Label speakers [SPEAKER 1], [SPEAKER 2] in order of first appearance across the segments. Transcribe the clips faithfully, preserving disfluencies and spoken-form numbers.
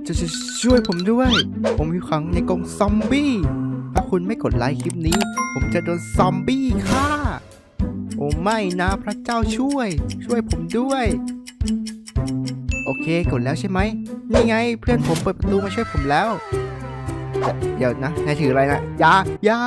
[SPEAKER 1] จะช่วยผมด้วยผมอยู่ขังในกรงซอมบี้ถ้าคุณไม่กดไลค์คลิปนี้ผมจะโดนซอมบี้ฆ่าโอ้ไม่นะพระเจ้าช่วยช่วยผมด้วยโอเคกดแล้วใช่ไหมนี่ไงเพื่อนผมเปิดประตูมาช่วยผมแล้วเดี๋ยวนะนายถืออะไรนะยายา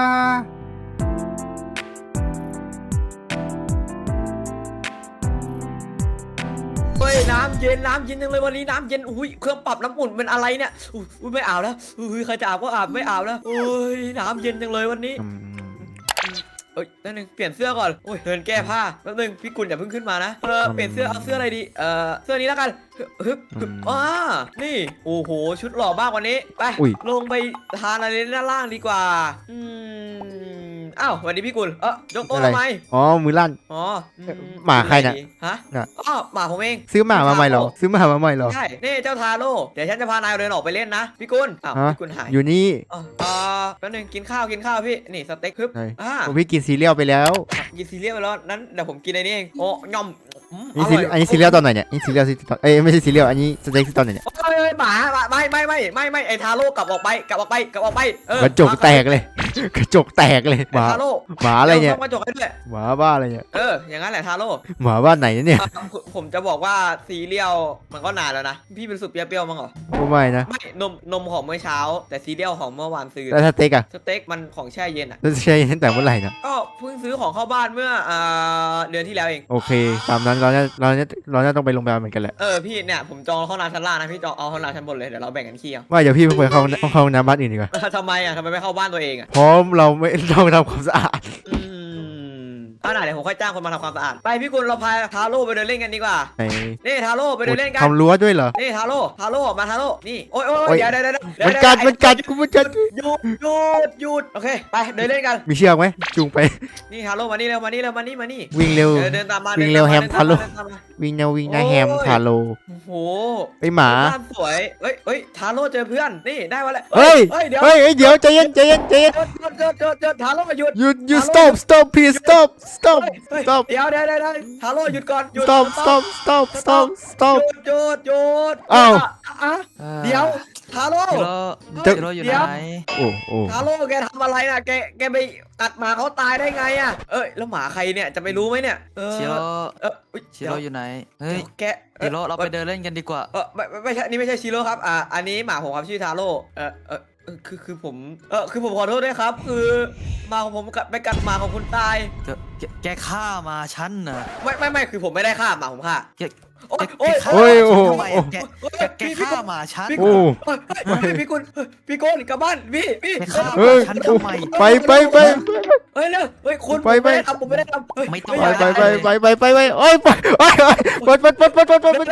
[SPEAKER 2] เฮ้ยน้ำเย็นน้ำเย็นจังเลยวันนี้น้ำเย็นอุ้ยเครื่องปรับน้ำอุ่นเป็นอะไรเนี่ยอุ้ยไม่อาบแล้วอุ้ยใครจะอาบก็อาบไม่อาบแล้วโอ้ยน้ำเย็นจังเลยวันนี้เอ้ยนั่นนึงเปลี่ยนเสื้อก่อนโอ้ยเดินแก้ผ้าแป๊บนึงพี่กุลอย่าเพิ่งขึ้นมานะเออเปลี่ยนเสื้อเอาเสื้ออะไรดีเออเสื้อนี้แล้วกันฮึบฮึบอ่านี่โอ้โหชุดหล่อมากวันนี้ไปลงไปทานอะไรด้านล่างดีกว่าอืมอ้าววันนี้พี่กุลเออยกโต๊ะทำไม
[SPEAKER 1] อ๋อมือลั่น
[SPEAKER 2] อ๋อ
[SPEAKER 1] หมาใครน่ะ
[SPEAKER 2] ฮะอ๋อหมาผมเอง
[SPEAKER 1] ซื้อหมามาใหม่เหรอซื้อหมามาใหม่เหรอ
[SPEAKER 2] ใช่นี่เจ้าทาโร่เดี๋ยวฉันจะพานายเดินออกไปเล่นนะพี่กุลอ้าวพี่กุลหาย
[SPEAKER 1] อยู่นี่
[SPEAKER 2] อ๋อแป๊บนึงกินข้าวกินข้าวพี่นี่สเต็กฮึบ
[SPEAKER 1] อ่าผมพี่กินซีเรียลไปแล้ว
[SPEAKER 2] กินซีเรียลไปแล้วนั้นเดี๋ยวผมกินอะไรนี่เองโอ้ย่อม
[SPEAKER 1] อันนี้ซีเรียลตอนไหนเนี่ยนี่ซีเรียลตอนเอ้ยไม่ใช่ซีเรียลอันนี้สเต็กตอนไหนเนี่ย
[SPEAKER 2] เอ้ยหมาไม่ไม่ไม่ไม่ไม่ไอทาโร่กลับออกไปกลับออกไปกลับออกไปเออก
[SPEAKER 1] ระจกแตกเลยกระจกแตกเลยหมา
[SPEAKER 2] ทาโร่
[SPEAKER 1] หมาอะไรเนี่ย
[SPEAKER 2] กระจกให้ด้วย
[SPEAKER 1] หมาบ้าอะไรเนี่ย
[SPEAKER 2] เอออย่างนั้นแหละทาโร่
[SPEAKER 1] หมาบ้านไหนเนี่ย
[SPEAKER 2] ผมจะบอกว่าซีเรียลมันก็นานแล้วนะพี่เป็นสุดเปรี้ยวๆมั้งเหรอ
[SPEAKER 1] ไม่นะ
[SPEAKER 2] ไม่นมนมของเมื่อเช้าแต่ซีเรียลของเมื่อวานซื้อ
[SPEAKER 1] แล้วสเต็กอะ
[SPEAKER 2] สเต็กมันของแช่เย็นอะ
[SPEAKER 1] แช่เย็นตั้งแต่เมื่อไหร่นะ
[SPEAKER 2] ก็เพิ่งซื้อของเข้าบ้านเมื่อเดือนที่แล้วเอง
[SPEAKER 1] โอเคตามนั้นเราจะเราจะเราจะต้องไปโรงพยาบาลเหมือนกันแหละ
[SPEAKER 2] เออพี่เนี่ยผมจองห้องน้ำชั้นล่างนะพี่จองเอาห้องน้ำชั้นบนเลยเดี๋ยวเราแบ่งกันขี้เอา
[SPEAKER 1] ว่าเดี๋ยวพี่ไปเข้าเข้าน้ำบ้านอื่นดีกว่า
[SPEAKER 2] ทำไมอ่ะทำไมไม่เข้าบ้านตัวเองอ่ะ
[SPEAKER 1] เพราะเราไม่ต้องทำความสะอาด
[SPEAKER 2] เอาหน่าเดี๋ยวผมค่อยจ้างคนมาทำความสะอาดไปพี่กุลเราพาทาโร่ไปเดินเล่นกันดีกว่านี่ทาโร่ไปเดินเล่นกัน
[SPEAKER 1] ทำรั้วด้วยเหรอ
[SPEAKER 2] นี่ทาโร่ทาโร่มาทาโร่นี่โอ้ยโอ้ยเดี๋ยวเดี๋ยวเดี๋ยว
[SPEAKER 1] มันกัดมันกัดกูมันกัด
[SPEAKER 2] หยุดหยุดหยุดโอเคไปเดินเล่นกัน
[SPEAKER 1] มีเชือกไหมจูงไป
[SPEAKER 2] นี่ทาโร่มานี่เร็วมานี่เร็วมานี่มานี่
[SPEAKER 1] วิ่งเร็ว
[SPEAKER 2] เดินตามมา
[SPEAKER 1] วิ่งเร็วแฮมทาโร่วิ่งเร็ววิ่งนะแฮมทาโร่
[SPEAKER 2] โอ้โห
[SPEAKER 1] ไปหมา
[SPEAKER 2] สวยเฮ้ยเฮ้ยทาโร่เจอเพื่อนนี่ได้มาแล้ว
[SPEAKER 1] เฮ้ยเฮ้ยเดี๋ยวเฮ้ยเดี๋ยวใจเย็นใจเย็นใจเย็น
[SPEAKER 2] หยุดหยุดหยุดหยุดทาโร่มาหยุด
[SPEAKER 1] หยุดหยุด stop stop please stop stop stop
[SPEAKER 2] เดี๋ยวเดี๋ยวเดี๋ยวทาโร่หยุดก่อนหยุด
[SPEAKER 1] stop stop stop stop stop
[SPEAKER 2] หยุดหยุด
[SPEAKER 1] อ้าว
[SPEAKER 2] เดี๋ยวทาโร่
[SPEAKER 3] จะโร่อยู่ไหน
[SPEAKER 1] โอ้โอ้
[SPEAKER 2] ทาโร่แกทำอะไรน่ะแกแกไปกัดหมาเขาตายได้ไงอ่ะเอ้ยแล้วหมาใครเนี่ยจะไม่รู้ไหมเนี่ย
[SPEAKER 3] ชิโร่
[SPEAKER 2] เออ
[SPEAKER 3] ชิโร่อยู่ไหนเฮ้ย
[SPEAKER 2] แก
[SPEAKER 3] ชิโร่เราไปเดินเล่นกันดีกว่า
[SPEAKER 2] เออไม่ไม่ใช่นี่ไม่ใช่ชิโร่ครับอ่าอันนี้หมาผมครับชื่อทาโร่เออเออคือคือผมเออคือผมขอโทษด้วยครับคือหมาของผมกัดไปกัดหมาของคุณตาย
[SPEAKER 3] แกฆ่ามาฉันน่ะ
[SPEAKER 2] ไม่ไม่ไม่คือผมไม่ได้ฆ่าหมาผมฆ่า
[SPEAKER 3] โอ้ยโอ้ยโอ้ยโอ้แกแกฆ่ามาฉัน
[SPEAKER 1] โอ้
[SPEAKER 2] พี่กุลพี่กุลกลับบ้านพี่พี่
[SPEAKER 3] ฆ่าฉันทำไม
[SPEAKER 1] ไปไปไป
[SPEAKER 2] เฮ้ยเร็วเฮ้ยคุณ
[SPEAKER 1] ไปไป
[SPEAKER 2] ทำผมไม่ได้ท
[SPEAKER 3] ำไม่ต้อง
[SPEAKER 1] ไปไปไปไปไปไปโอ้ยไปโอ้ยไปไปไปไปไปไปไป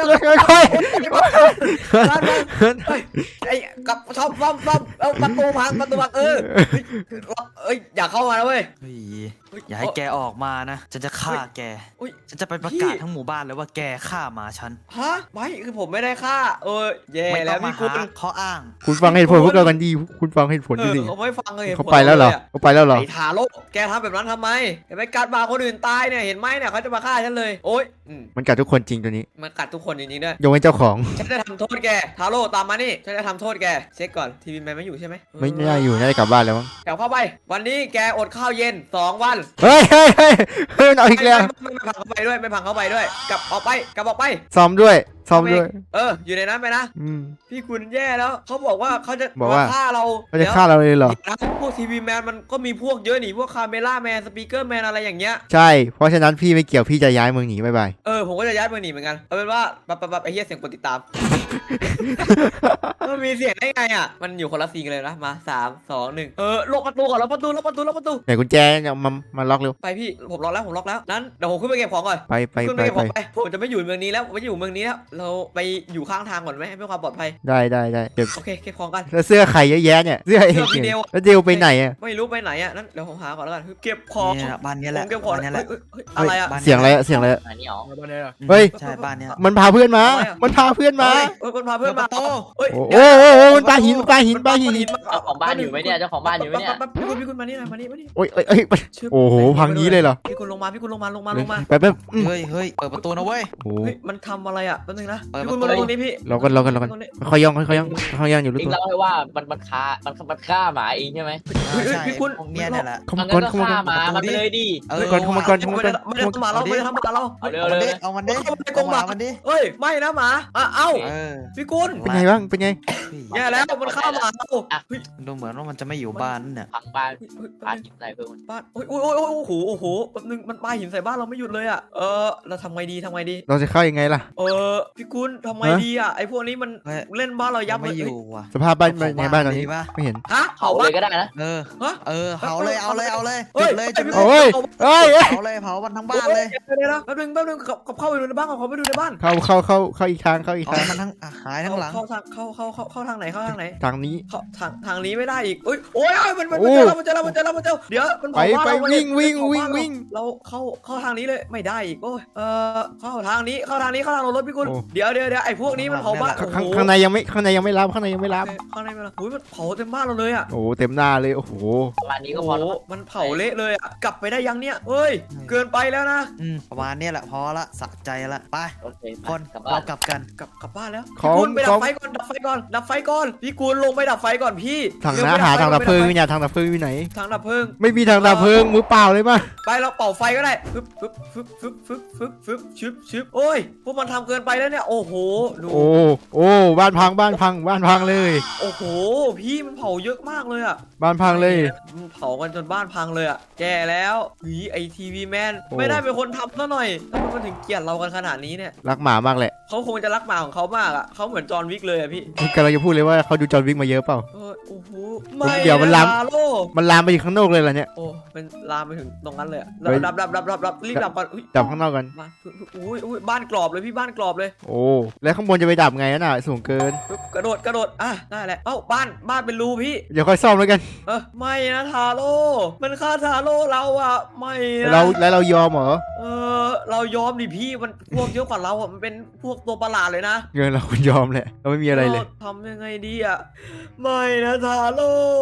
[SPEAKER 1] ไป
[SPEAKER 2] ไอ้กับชอบซ่อมซ่อมเอาประตูพังประตูพังเออเอ้ยอย่าเข้ามาแล้วเว้ย
[SPEAKER 3] อย่าให้แกออกมานะฉันจะฆ่าแกฉันจะไปประกาศทั้งหมู่บ้านเลยว่าแกฆ่ามาฉัน
[SPEAKER 2] ฮะไม่คือผมไม่ได้ฆ่าเออแย่แล้วพี่กุล
[SPEAKER 3] เขาอ้าง
[SPEAKER 1] คุณฟังเหตุผลพวกเรากันดีคุณฟังเหตุผลดี
[SPEAKER 2] เขาไม่ฟังเลย
[SPEAKER 1] เขาไปแล้วเหรอเขาไปแล้วเหรอ
[SPEAKER 2] ไอ้ทาโร่แกทำแบบนั้นทำไมไปกัดบาคนอื่นตายเนี่ยเห็นไหมเนี่ยเขาจะมาฆ่าฉันเลยโอ๊ย
[SPEAKER 1] มันกัดทุกคนจริงตัวนี้
[SPEAKER 2] มันกัดทุกคนจริงๆด้วย
[SPEAKER 1] ยกเว้นเจ้าของ
[SPEAKER 2] ฉันจะทำโทษแกทาโร่ตามมานี่ฉันจะทำโทษแกเช็คก่อนทีวีแมนไม่อยู่ใช่ไหม
[SPEAKER 1] ไม่ได้อยู่น่าจะกลับบ้านแล้วมั้ง
[SPEAKER 2] กลับเข้าไปวันนี้แกอดข้าวเย็นสองวัน
[SPEAKER 1] เฮ้ยเฮ้ยเฮ้ยเฮ้ยเอาอีกแล้ว
[SPEAKER 2] ไม่พังเข้าไปด้วยไม่พังเข้าไปด้วยกลับออกไปกลับออกไป
[SPEAKER 1] ซ้อมด้วยซ้อมด้วย
[SPEAKER 2] เอออยู่ในนั้นไปนะพี่คุณแย่แล้วเขาบอกว่าเขาจะ
[SPEAKER 1] บอกว่า
[SPEAKER 2] ฆ่าเรา
[SPEAKER 1] เขาจะฆ่าเราเลยเหรอ
[SPEAKER 2] พวกทีวีแมนมันก็มีพวกเยอะหนิพวกคาเมล่าแมนสปีกเกอร์แมนอะไรอย่างเงี้ย
[SPEAKER 1] ใช่เพราะฉะนั้นพี่ไม่เกี่ยวพี่จะย้ายเมืองหนีบายบาย
[SPEAKER 2] เออผมก็จะย้ายเมืองหนีเหมือนกันเอาเป็นว่าปั๊บปั๊บไอ้เหี้ยเสียงกดติดตามมันมีเสียงได้ไงอ่ะมันอยู่คนละซีกันเลยนะมาสามสองหนึ่งเออล็อกประตูก่อนล็อกประตูล็อกประตูล็อกประตู
[SPEAKER 1] ไหนกุญแจมามาล็อกเร็ว
[SPEAKER 2] ไปพี่ผมล็อกแล้วผมล็อกแล้วนั้นเดี๋ยวผมขึ้นไปเก็บของก่อน
[SPEAKER 1] ไปไปไป
[SPEAKER 2] ไปผมจะไม่อยู่เมืองนี้แล้วไม่อยู่เมืองนี้แล้วเราไปอยู่ข้างทางก่อนไหมเพื่อความปลอดภัย
[SPEAKER 1] ได้ได้ได้เก็บ
[SPEAKER 2] โอเคเก็บของกัน
[SPEAKER 1] แล้วเสื้อใครเยอะแยะเนี่ยเสื้อเองแล้วเดวไปไหนอ่ะ
[SPEAKER 2] ไม่รู้ไปไหนอ่ะนั้นเดี๋ยวผมหาก่อนแล้วกันเก็บของ
[SPEAKER 3] บ้านนี้แหละ
[SPEAKER 2] เก็บของ
[SPEAKER 3] นี่แหละ
[SPEAKER 2] อะไรอ่ะ
[SPEAKER 1] เสียงอะไรเสียงอะไร
[SPEAKER 2] อันนี้อ๋อบ้านนี้
[SPEAKER 1] เฮ้ย
[SPEAKER 3] ใช่บ้านนี้
[SPEAKER 1] มันพาเพื่อนมามันพาเพื่อนมา
[SPEAKER 2] เฮ้ยมันพาเพื่อนมาโอ้
[SPEAKER 1] โอ้โอ้โอ้มันปาหินปาหินปาหิน
[SPEAKER 4] เจ้าของบ้านอยู่ไหมเนี่ยเจ้าของบ้านอยู่ไหมเนี่ย
[SPEAKER 2] พี่คุณพี่คุณมานี่หน่อยมานี่มานี่
[SPEAKER 1] โอ้ยเอ้ยโอ้โหพังงี้เลยเหรอ
[SPEAKER 2] พี่คุณลงมาพี่คุณลงมาลงมาลงมา
[SPEAKER 1] ไปแป๊บอืม
[SPEAKER 3] เฮ้ยเฮ้ยเปิดประตูนะเว้ย
[SPEAKER 1] โอ้โห
[SPEAKER 2] เฮ้ยมันทำอะไรอ่ะแป๊บนึงนะ
[SPEAKER 3] เปิด
[SPEAKER 2] พี่
[SPEAKER 3] ประตู
[SPEAKER 2] คุณมาลงตรงนี้พี่
[SPEAKER 1] รอกันรอกันรอกันค่อยๆย่องค่อยๆย่องค่อยๆย่องอยู่รู้
[SPEAKER 4] จริ
[SPEAKER 1] ตั
[SPEAKER 4] ง
[SPEAKER 1] ว
[SPEAKER 4] แล้วให้ว่ามันมันฆ่ามันมันฆ่าหมาเองใช่ไหม
[SPEAKER 2] เฮ้ยเฮ้ย
[SPEAKER 3] ใช่
[SPEAKER 2] พี่คุณ
[SPEAKER 3] พวกเนี้ยเนี่ยแหละ
[SPEAKER 1] เข้า
[SPEAKER 4] อั
[SPEAKER 1] มาน ก่อน
[SPEAKER 4] ก็
[SPEAKER 1] เข้ามาก่
[SPEAKER 4] ฆ่า
[SPEAKER 1] อน
[SPEAKER 4] หมามันไปเลยดิ
[SPEAKER 3] เออ
[SPEAKER 1] ก่อนเข้ามาก่อน
[SPEAKER 2] ไม่ได้ไม่ได้ทำหมาเราไม่ได้ทำหมาเรา
[SPEAKER 4] เอาเร็ว
[SPEAKER 3] เอามัน
[SPEAKER 4] เล
[SPEAKER 3] ดิ
[SPEAKER 4] ย
[SPEAKER 3] เอามันดิ
[SPEAKER 2] เข้ามาในกร
[SPEAKER 3] เอา
[SPEAKER 2] ง
[SPEAKER 3] ห
[SPEAKER 2] ห
[SPEAKER 3] มา
[SPEAKER 2] มา
[SPEAKER 3] มันดิ
[SPEAKER 2] เฮ้ยไม่นะหมาอ่ะเอ้า
[SPEAKER 3] เออ
[SPEAKER 2] พี่กุล
[SPEAKER 1] เป็นไงบ้างเป็นไง
[SPEAKER 2] แย่แล้วมันฆ่าหมาเราเฮ้ย
[SPEAKER 3] ดูเหมือนว่ามันจะไม่อยู่บ้านเนี่ย
[SPEAKER 4] พังบ้าน
[SPEAKER 2] เฮ้ยเฮ้ย
[SPEAKER 4] บ้านหินใส่เพิ่ม
[SPEAKER 2] บ้านโอ้ยโอ้ยโอ้ยโอ้ยโอ้โหโอ้โหแป๊บนึงมันปาหินใส่บ้านเราไม่หยุดเลยอ่ะเออเราทำไงดีทำไงดี
[SPEAKER 1] เราจะเข้ายังไงล่ะ
[SPEAKER 2] เออพี่กุลทำไง
[SPEAKER 1] ฮะ
[SPEAKER 2] ดีอ่ะไอพวกนี้มัน
[SPEAKER 3] เฮ้ย
[SPEAKER 2] เล่นบ้านเรายับเล
[SPEAKER 3] ไม่
[SPEAKER 2] ย
[SPEAKER 3] อยู่ว่ะ
[SPEAKER 1] สภาพบ้านเป็นไงบ้านตอนนี้
[SPEAKER 3] ดีปะ
[SPEAKER 1] ไม่เห็น
[SPEAKER 2] ฮะ
[SPEAKER 4] เผา
[SPEAKER 2] เผา
[SPEAKER 4] เล
[SPEAKER 2] บ้าน
[SPEAKER 4] ยก็ได้นะ
[SPEAKER 3] เออ
[SPEAKER 2] ฮะ
[SPEAKER 3] เออเผาเลยเอาเลยเอาเลย
[SPEAKER 2] เฮ้
[SPEAKER 3] จุ
[SPEAKER 2] ย
[SPEAKER 3] ดเลยจุดเลย
[SPEAKER 1] โอ้ยเอ้ยเอ้ย
[SPEAKER 3] เผาเลยเผามันทั้งบ้านเลย
[SPEAKER 2] เดี๋ยวเดี๋ยวแป๊บนึงแป๊บนึงขับเข้าไปดูในบ้านเขาไปดูในบ้าน
[SPEAKER 1] เข้าเข้าเข้าเข้าอีกทางเข้าอีก
[SPEAKER 3] เอา
[SPEAKER 1] ทาง
[SPEAKER 3] มันทั้งอ่ะหายทั้งหลัง
[SPEAKER 2] เข้าทางเข้าเข้าเข้าเข้าทางไหนเข้าทางไหน
[SPEAKER 1] ทางนี้
[SPEAKER 2] เข้าทางทางนี้ไม่ได้อีกโอ้ยโอ้ยโอ้ยมันมัน
[SPEAKER 1] โอ้
[SPEAKER 2] มันเจอแล้วมันเจอแล้วมันเจอแล้วมันเจอเดี๋ยวมัน
[SPEAKER 1] ไป
[SPEAKER 2] เผาบ้าน
[SPEAKER 1] ไป
[SPEAKER 2] เรา
[SPEAKER 1] วิ่งวิ่ง
[SPEAKER 2] เผา
[SPEAKER 1] วิ่ง
[SPEAKER 2] บ้านเรา
[SPEAKER 1] วิ่ง
[SPEAKER 2] เราเข้าเข้าทางนี้เลยไม่ได้อีกโอ้ยเออเข้าทางนี้เข้าทางนี้เข้าทางรถพี่กุล
[SPEAKER 1] โอ้
[SPEAKER 2] เดี๋ยวเดี๋ยวเดี๋ยวไอ้พวกนี้มันเผาบ้าน
[SPEAKER 1] ข้าง
[SPEAKER 2] โอ้โห
[SPEAKER 1] ข้างในยังไม่ข้างในยังไม่รับข้างในยังไม่รับ
[SPEAKER 2] โอเคข้างในมันโอ้ยมันเผาเต็มบ้านเราเลยอ่ะ
[SPEAKER 1] โอ้โหเต็มหน้าเลยโอ้โห
[SPEAKER 4] ประมาณนี้ก็
[SPEAKER 2] โอ้
[SPEAKER 4] พอ
[SPEAKER 2] โห
[SPEAKER 4] แล้ว
[SPEAKER 2] มันเผาเละเลยอ่ะกลับไปได้ยังเนี่ยเฮ้ยเกินไปแล้วนะ
[SPEAKER 3] อืมประมาณเนี้ยแหละพอละสะใจละไป
[SPEAKER 4] โอเค
[SPEAKER 3] คน
[SPEAKER 4] กลับบ้า
[SPEAKER 3] เรา
[SPEAKER 4] น
[SPEAKER 3] กลับกัน
[SPEAKER 2] กลับกลับบ้านแล้ว
[SPEAKER 1] ข
[SPEAKER 2] พี่
[SPEAKER 1] อง
[SPEAKER 2] กุลไปดั
[SPEAKER 1] ข
[SPEAKER 2] บ
[SPEAKER 1] อง
[SPEAKER 2] ไฟก่อนดับไฟก่อนดับไฟก่อนพี่กุลลงไปดับไฟก่อนพี่
[SPEAKER 1] ถัง
[SPEAKER 2] เร็ว
[SPEAKER 1] น้า
[SPEAKER 2] ไป
[SPEAKER 1] หาทางดับเพลิง
[SPEAKER 2] ไฟ
[SPEAKER 1] เนี่ยทางดับเพลิงอยู่ไหน
[SPEAKER 2] ทางดับเพลิง
[SPEAKER 1] ไม่มีทางดับเพลิงมือเปล่าเลยป่ะ
[SPEAKER 2] ไปเราเป่าไฟก็ได้ฟึบฟึบฟึบฟึบฟึบฟึบฟึบชึบชึบโอ้ยพวกมันทำเกินไปแล้วเนี่ยโอ้โหดู
[SPEAKER 1] โอ้โอ้บ้านพังบ้านพังบ้านพังเลย
[SPEAKER 2] โอ้โหพี่มันเผาเยอะมากเลยอ่ะ
[SPEAKER 1] บ้านพังเลย
[SPEAKER 2] มันเผากันจนบ้านพังเลยอ่ะแย่แล้วหวีไอทีวีแมน
[SPEAKER 1] โอ้
[SPEAKER 2] ไม่ได้เป็นคนทำซะหน่อยทำไมมันถึงเกลียดเรากันขนาดนี้เนี่ย
[SPEAKER 1] รักหมามากแหละ
[SPEAKER 2] เขาคงจะรักหมาของเขามากอ่ะเขาเหมือนจอห์นวิกเลยอ่ะพี่
[SPEAKER 1] นี่กำลังจะพูดเลยว่าเขาดูจอห์นวิกมาเยอะเปล่า
[SPEAKER 2] เออโอ้โหไม่
[SPEAKER 1] เดี๋ยวมันล้ำ
[SPEAKER 2] ะโล
[SPEAKER 1] มันลามไปถึงข้างนอกเลยเหรอเนี่ย
[SPEAKER 2] โอ้เป็นลามไปถึงตรงนั้นเลยอะ
[SPEAKER 1] เฮ้ย
[SPEAKER 2] ดับดับดับดับดับรีบดับก่อนอุ้ย
[SPEAKER 1] ดับข้างนอกกัน
[SPEAKER 2] บ้านอุ้ยอุ้ยบ้านกรอบเลยพี่บ้านกรอบเลย
[SPEAKER 1] โอ้แล้วข้างบนจะไปดับไงน่ะสูงเกิน
[SPEAKER 2] ปึ๊บกระโดดกระโดดอ่ะได้แหละเอ้าบ้านบ้านเป็นรูพี่
[SPEAKER 1] เดี๋ยวค่อยซ่อมแล้วกัน
[SPEAKER 2] เออไม่นะทาโร่มันฆ่าทาโร่เราอ่ะไม่นะ
[SPEAKER 1] เราแล้วเรายอมเหรอ
[SPEAKER 2] เออเรายอมดิพี่มันพวกเยอะกว่าเราอ่ะมันเป็นพวกตัวประหลาดเลยนะ
[SPEAKER 1] เงินเราคุณยอมแหละเราไม่มีอะไรเลย
[SPEAKER 2] ทำยังไงดีอ่ะไม่นะทาโร่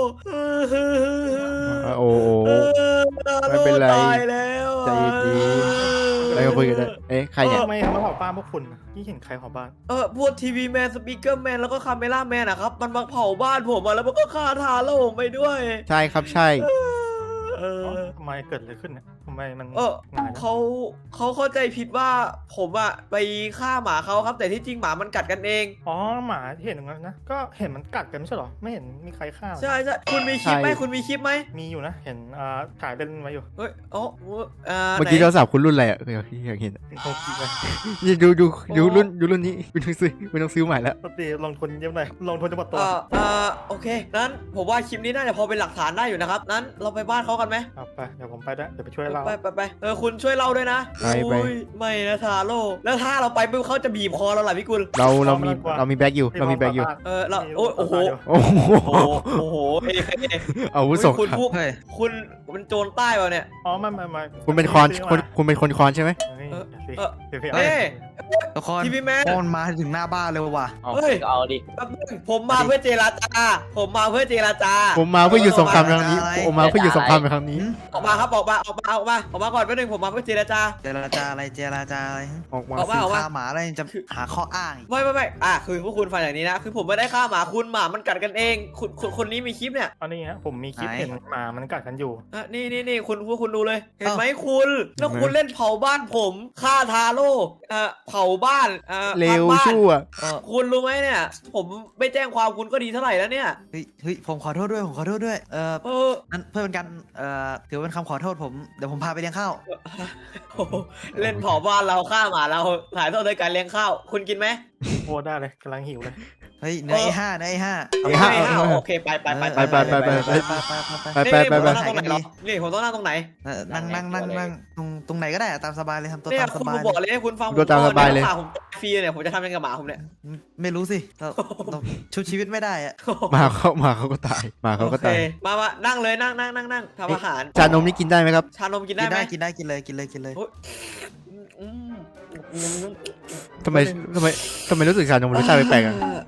[SPEAKER 1] โอ้โห
[SPEAKER 2] เออทา
[SPEAKER 1] ไม่
[SPEAKER 2] โร่
[SPEAKER 1] เป็นไร
[SPEAKER 2] ตายแล้ว
[SPEAKER 1] ใจเย็น อะไรก็คุยกันได้เอ๊ะใครเนี่ย
[SPEAKER 5] ทำไมทำไมเผาบ้านพวกคุณนี่เห็นใครเผาบ้าน
[SPEAKER 2] เออพวกทีวีแมนสปีกเกอร์แมนแล้วก็คาเมล่าแมนอะครับมันมาเผาบ้านผมอะแล้วมันก็ฆ่าทาโร่ผมไปด้วย
[SPEAKER 1] ใช่ครับใช่
[SPEAKER 2] เออ
[SPEAKER 5] ทำไมเกิดอะไรขึ้นเนี่ยทำไมมัน
[SPEAKER 2] เออ
[SPEAKER 5] หงายนะ
[SPEAKER 2] เขาเขาเข้าใจผิดว่าผมอะไปฆ่าหมาเขาครับ แต่ที่จริงหมามันกัดกันเอง
[SPEAKER 5] อ๋อหมาที่เห็นตรงนั้นนะก็เห็นมันกัดกันไม่ใช่เหรอไม่เห็นมีใครฆ่ามัน
[SPEAKER 2] ใช่ใช่คุณมีคลิปไหม
[SPEAKER 1] ใช่
[SPEAKER 2] คุณมีคลิปไหม
[SPEAKER 5] มีอยู่นะเห็นอ่าถ่ายเล่นไว้อยู่
[SPEAKER 2] เฮ้ยอ๋อเอ่อ
[SPEAKER 1] เมื่อกี้
[SPEAKER 2] ไหน
[SPEAKER 1] โทรศัพท์คุณรุ่นอะไรอ่ะอยากอยากเห็นอะ
[SPEAKER 5] โอเคเลย
[SPEAKER 1] นี่ดูดูดู
[SPEAKER 2] โอ้
[SPEAKER 1] รุ่นดูรุ่นนี้คุณต้องซื้อคุณต้องซื้อใหม่แล้ว
[SPEAKER 5] ปกติลงทุนเยอะหน่อยลงทุนจะหมดตัว
[SPEAKER 2] เอ่อเอ่อโอเคนั้นผมว่าคลิปนี้น่าจะพอเป็นหลักฐานได้อยู่นะครับนั้นเราไปบ้านเขากันไหม
[SPEAKER 5] เอาไปเดี๋ยวผมไปด้วยเดี๋ยวไปช่วยเรา
[SPEAKER 2] ไปไปไปเออคุณช่วยเล่าด้วยนะ
[SPEAKER 1] ไปไป
[SPEAKER 2] โอ้ยไม่นะทาโร่แล้วถ้าเราไปปุ๊บเขาจะบีบคอเราเหรอพี่กุล
[SPEAKER 1] เราเรามีเรามีแบ็กอยู่เรามีแบ็กอยู่
[SPEAKER 2] เออเราโอ้ยโอ้โห
[SPEAKER 1] โอ้โห
[SPEAKER 2] โอ้โหโอ้โหเอ้ยเอ้ย
[SPEAKER 1] อาวุธสงค
[SPEAKER 2] คุณ
[SPEAKER 1] ราม
[SPEAKER 2] พวก
[SPEAKER 3] เฮ้ย
[SPEAKER 2] คุณเป็นโจรใต้เปล่าเนี่ย
[SPEAKER 5] อ๋อไม่ไม่ไม่
[SPEAKER 1] คุณเป็นคอนคุณคุณเป็นคนคอนใช่ไหม
[SPEAKER 5] นี่
[SPEAKER 2] เออ
[SPEAKER 5] เดี๋ยวสิ
[SPEAKER 2] เออ
[SPEAKER 5] เดี๋ยวสิ
[SPEAKER 2] เอ้ย
[SPEAKER 3] ทุกคน
[SPEAKER 2] ทีวีแมน
[SPEAKER 3] โอนมาถึงหน้าบ้านเลยว่ะ
[SPEAKER 4] เอา
[SPEAKER 2] เฮ้ย
[SPEAKER 4] ก็เอาดิ
[SPEAKER 2] แป๊บนึงผมมาเพื่อเจรจา ผมมาเพื่อเจรจา
[SPEAKER 1] ผมมาเพื่ออยู่สงครามครั้งนี้ผมมาเพื่ออยู่สงครามในครั้งนี้
[SPEAKER 2] ออกมาครับออกมาออกมาออกมาออกมาก่อนแป๊บนึงผมมาเพื่อเจรจา
[SPEAKER 3] เจรจาอะไรเจรจาอะไร
[SPEAKER 1] ออกมา
[SPEAKER 2] ออกมา
[SPEAKER 3] ซื้อฆ่าหมาอะไรจะหาข้ออ้างอีก
[SPEAKER 2] ไม่ไม่ไม่อ่ะคือพวกคุณฟังอย่างนี้นะ คือผมไม่ได้ฆ่าหมาคุณหมามันกัดกันเอง คุณคุณคนนี้มีคลิปเนี่ย
[SPEAKER 5] อันนี้ฮะผมมีคลิปเห็นหมามันกัดกันอยู่
[SPEAKER 2] อ่ะนี่นี่นี่คุณพวกคุณดูเลย เห็นไหมคุณ แล้วคุณเล่นเผาบ้านผมฆ่าทาโร่เอ่อเผาบ้านเอ่อ
[SPEAKER 1] เร็ว
[SPEAKER 2] พังบ้าน
[SPEAKER 1] ชั่ว
[SPEAKER 2] เออคุณรู้ไหมเนี่ย ผมไม่แจ้งความคุณก็ดีเท่าไหร่แล้วเนี่ย
[SPEAKER 3] เฮ้ยเฮ้ยผมขอโทษด้วยผมขอโทษด้วยเออ
[SPEAKER 2] เออ
[SPEAKER 3] นั่นเพื่อเป็นการเอ่อถือเป็นคำขอโทษผมเดี๋ยวผมพาไปเลี้ยงข้าว
[SPEAKER 2] โอ้โหเล่นเผาบ้านเราฆ่าหมาเราถ่ายทอดโดยการเลี้ยงข้าว คุณกินไหม
[SPEAKER 5] โอ้ได้เลยกำลังหิวเลย
[SPEAKER 3] เฮ้ยเนื้อไอ้ห้าเนื้อไอ้ห้า
[SPEAKER 1] เอ้ยฮะ
[SPEAKER 2] ไม่เอาโอเคไปไปไป
[SPEAKER 1] ไปไปไปไป
[SPEAKER 3] ไปไปไปไป
[SPEAKER 1] ไปไปไปไป
[SPEAKER 2] นี่ผมต้องนั่งตรงไหนเหรอนี่ผมต้องนั่งตรงไหน
[SPEAKER 3] เออนั่งนั่งนั่งนั่งตรงตรงไหนก็ได้อะตามสบายเลยทำตัว
[SPEAKER 2] เนี่ย
[SPEAKER 3] ตามส
[SPEAKER 2] คุณ
[SPEAKER 3] บาย
[SPEAKER 2] มาบอกเลยให้คุณฟังผม
[SPEAKER 1] ตัวตามสบายเลย
[SPEAKER 2] หมาผมตายฟรีเนี่ยผมจะทำยังไงกับหมาผมเนี่ย
[SPEAKER 3] ไม่รู้สิเราเราชุบชีวิตไม่ได้อะ
[SPEAKER 1] หมาเขาหมาเขาก็ตายหมาเขาก็ตาย
[SPEAKER 2] โอเคมามานั่งเลยนั่งนั่งนั่งนั่งทำอาหาร
[SPEAKER 1] ชานมนี่กินได้ไหมครับ
[SPEAKER 2] ชานมกิน
[SPEAKER 3] กิ
[SPEAKER 2] ได้
[SPEAKER 3] น
[SPEAKER 2] ไหม
[SPEAKER 3] ได้กินได้กินเลยกินเลยกินเลย
[SPEAKER 2] อืมอืม
[SPEAKER 1] ทำไมทำไมทำไมรู้สึกชานมรสชาติแปลกๆอ่ะ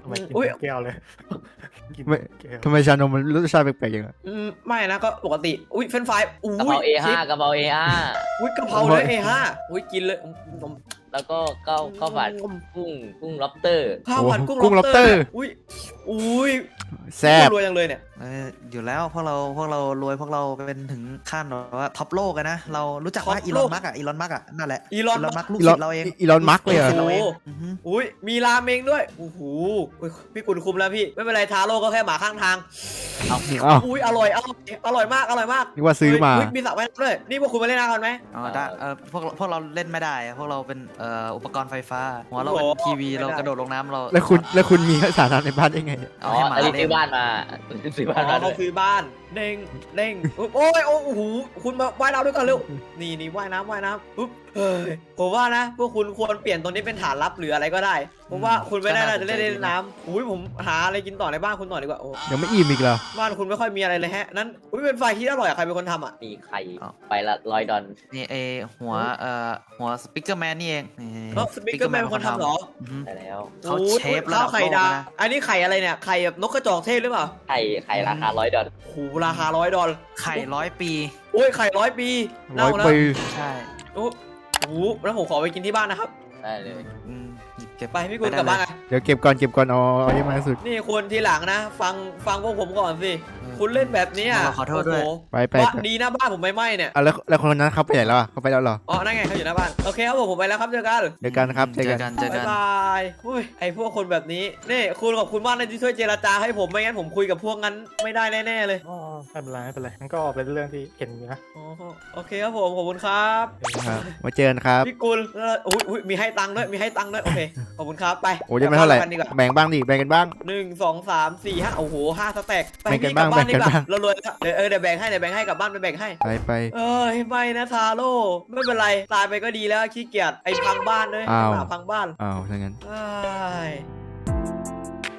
[SPEAKER 5] ทำไมกิน
[SPEAKER 2] อุ๊ย
[SPEAKER 5] แก้วเลยกิน
[SPEAKER 1] ไม่
[SPEAKER 5] แก้ว
[SPEAKER 1] ทำไมชานมมันรสชาติแปลกๆอย่างนั้น
[SPEAKER 2] อืมไม่นะก็ปกติอุ้ยเฟรนช์ฟรายอุ้
[SPEAKER 4] กะเพราย เอ
[SPEAKER 2] ชิ
[SPEAKER 4] ห้า
[SPEAKER 2] ป
[SPEAKER 4] กะเพราเอห้า
[SPEAKER 2] อุ้ยกะเพราเลยเอห้าอุ้ยกินเลยอืมอืม
[SPEAKER 4] แล้วก็ข้าวข้าวผัดกุ้งกุ้งล็อบสเตอร์
[SPEAKER 2] ข้าวผัดกุ้ง
[SPEAKER 1] กุ้ง
[SPEAKER 2] lobster
[SPEAKER 1] lobster
[SPEAKER 2] เนี่ยอุ้ยอุ้ย
[SPEAKER 1] แซ่บ
[SPEAKER 2] รวยจังเลยเนี่ย
[SPEAKER 3] เอออยู่แล้วพวกเราพวกเรารวยพวกเราเป็นถึงขั้นแบบว่าท็อปโลกอะนะเรารู้จักว่า
[SPEAKER 2] ท็อป
[SPEAKER 3] อี
[SPEAKER 2] โล
[SPEAKER 3] ลอก นมัสก์อะอีลอนมัสก์อะนั่นแหละ
[SPEAKER 2] อีลอน
[SPEAKER 3] มัสก์ลูก
[SPEAKER 1] อีล
[SPEAKER 3] ศิ
[SPEAKER 1] อน
[SPEAKER 3] ษย์เราเอง
[SPEAKER 1] อีลอนมัสก์เลยเหรอ
[SPEAKER 2] โอ้โห
[SPEAKER 3] อือฮึ
[SPEAKER 2] อุ้ยมีราเมงด้วยโอ้โหอุ๊ยพี่กุลคุมแล้วพี่ไม่เป็นไรทาโร่ก็แค่หมาข้างทาง
[SPEAKER 1] อ้าว
[SPEAKER 2] อุ้ยอร่อยอร่อยอร่อยมากอร่อยมาก
[SPEAKER 1] นึกว่าซื้อมา
[SPEAKER 2] เฮ้ยมีสระว่ายน้ำด้วยนี่พวกคุณมาเล่นน้ำกันไหม
[SPEAKER 3] อ๋อได้เออพวกพวกเราเล่นไม่ได้อะพวกเราเป็นเอ่ออุปกรณ์ไฟฟ้าหัวเราเป็น
[SPEAKER 2] โอ้โห
[SPEAKER 3] ทีวี
[SPEAKER 2] ไม่ได้
[SPEAKER 3] เรากระโดดลงน้ำเรา
[SPEAKER 1] แล้วคุณแล้วคุณมีสาระในบ้านได้ไง
[SPEAKER 3] เอา
[SPEAKER 4] อ๋อ
[SPEAKER 3] ให้หมา
[SPEAKER 4] อันนี้
[SPEAKER 3] เล่
[SPEAKER 4] ซื้
[SPEAKER 3] น
[SPEAKER 4] อบ้านมาซื้อ
[SPEAKER 2] อ๋
[SPEAKER 4] บ้านมา
[SPEAKER 2] อ
[SPEAKER 4] ด้
[SPEAKER 2] เขา
[SPEAKER 4] วย
[SPEAKER 2] ซื้อบ้านเด้งเด้งโอ้ยโอ้โหคุณมาว่ายน้ำด้วยกันเร็วนี่นี่ว่ายน้ำว่ายน้ำปุ๊บเฮ้ยผมว่านะพวกคุณควรเปลี่ยนตรงนี้เป็นฐานลับหรืออะไรก็ได้ผมว่าคุณไม่ได้น่าจะเล่นเล่นน้ำอุ้ยผมหาอะไรกินต่อในบ้านคุณต่อดีกว่าโอ้
[SPEAKER 1] ยังไม่อิ่มอีกเหรอ
[SPEAKER 2] บ้านคุณไม่ค่อยมีอะไรเลยแฮะนั้นอุ้ยเป็นไฟที่อร่อยอะใครเป็นคนทำอ่ะ
[SPEAKER 4] มีไข่ไปละร้อยดอล
[SPEAKER 3] นี่เอหัวเอ่อหัวสปิเกอร์แมนนี่เองนี่
[SPEAKER 2] เออสปิกเกอร์แมนเป็นคนทำเหรอ
[SPEAKER 3] อือฮึ
[SPEAKER 4] ได้แล้ว
[SPEAKER 3] เขา
[SPEAKER 2] โอ้ย
[SPEAKER 3] เชฟระดับ
[SPEAKER 2] ข้าวไข่
[SPEAKER 3] โลก
[SPEAKER 2] ดาว
[SPEAKER 3] นะ
[SPEAKER 2] อันนี้ไข่อะไรเนี่ยไข่แบบนกกระจอกเทศหรือเปล่า
[SPEAKER 4] ไข่ไข่ราคาร้อยดอล
[SPEAKER 2] โอ้โหราคาร้อยดอล
[SPEAKER 3] ไข่ร้อยปี
[SPEAKER 2] โอ้ยไข่ร้อยปี
[SPEAKER 1] ร้
[SPEAKER 2] เน่า
[SPEAKER 1] อย
[SPEAKER 2] แล้ว
[SPEAKER 1] ปี
[SPEAKER 3] ใช่
[SPEAKER 2] โอ้โหแล้วผมขอไปกินที่บ้านนะครับ
[SPEAKER 4] ได้เลย
[SPEAKER 3] อืมหยิบเก็บ
[SPEAKER 2] ไปพี่กุล
[SPEAKER 3] ได้
[SPEAKER 2] กลับบ้าน
[SPEAKER 3] เลย
[SPEAKER 2] กัน
[SPEAKER 1] เดี๋ยวเก็บก่อนเก็บก่อนเอาเอาเยอะมากที่สุด
[SPEAKER 2] นี่คุณทีหลังนะ ฟังฟังพวกผมก่อนสิ คุณเล่นแบบเนี้ย
[SPEAKER 3] เราขอโทษด้วย
[SPEAKER 2] โอ้โห
[SPEAKER 1] ไปไป
[SPEAKER 2] ว่า
[SPEAKER 1] ไป
[SPEAKER 2] ดีนะบ้านผมไม่ไหม้เนี่ย
[SPEAKER 1] อ่ะแล้วแล้วคนนั้นเขาไปไหนแล้วอ่ะเขาไปแล้วเหรอ
[SPEAKER 2] อ๋อนั่นไงเขาอยู่หน้าบ้านโอเคครับผมผมไปแล้วครับเจอกัน
[SPEAKER 1] เจอกันครับเจ
[SPEAKER 3] เจ
[SPEAKER 1] อ
[SPEAKER 3] อ
[SPEAKER 1] กั
[SPEAKER 3] กัน นเจอ
[SPEAKER 2] บ๊า
[SPEAKER 3] กั
[SPEAKER 2] ย
[SPEAKER 3] น
[SPEAKER 2] บายอุ้ยไอพวกคนแบบนี้นี่คุณขอบคุณมากนะที่ช่วยเจรจาให้ผมไม่งั้นผมคุยกับพวกนั้นไม่ได้แน่ๆเลย
[SPEAKER 5] อ๋อไม่เป็นไรไม่เป็นไรมันก็เป็นเรื่องที่เห็นอยู่นะ
[SPEAKER 2] อ๋อโอเคครับผมขอบคุณครับ
[SPEAKER 1] ครับมาเจอกันครับ
[SPEAKER 2] พี่กุลแล้วอุ้ยอุ้ยมีให้ตังค์ด้วยมีให้ตังค์ด้วยโอเคขอบคุณครับไป
[SPEAKER 1] โอ้ยังไม่เท่าไหร่
[SPEAKER 2] กลับบ้นกันดีกว่า
[SPEAKER 1] แบ่งบ้างดิแบ่งกันบ้าง
[SPEAKER 2] หนึ่งสองสามสี่ห้าโอ้โหห้าสแต็กไป
[SPEAKER 1] แบ่งกัน
[SPEAKER 2] พี่กลับ
[SPEAKER 1] บ้าง
[SPEAKER 2] บ้านดีกว่า
[SPEAKER 1] แบ่งกันบ้าง
[SPEAKER 2] เรารวยแล้วเดี๋ยวเออเดี๋ยวแบ่งให้เดี๋ยวแบ่งให้กลับบ้านไปแบ่งให้
[SPEAKER 1] ไปไป
[SPEAKER 2] เอ้ยไม่นะทาโร่ไม่เป็นไรตายไปก็ดีแล้วขี้เกียจไอ้พังบ้านเลย
[SPEAKER 1] อ้าว
[SPEAKER 2] หมาพังบ้าน
[SPEAKER 1] อ้าวถ้างั้น
[SPEAKER 2] เอ้ย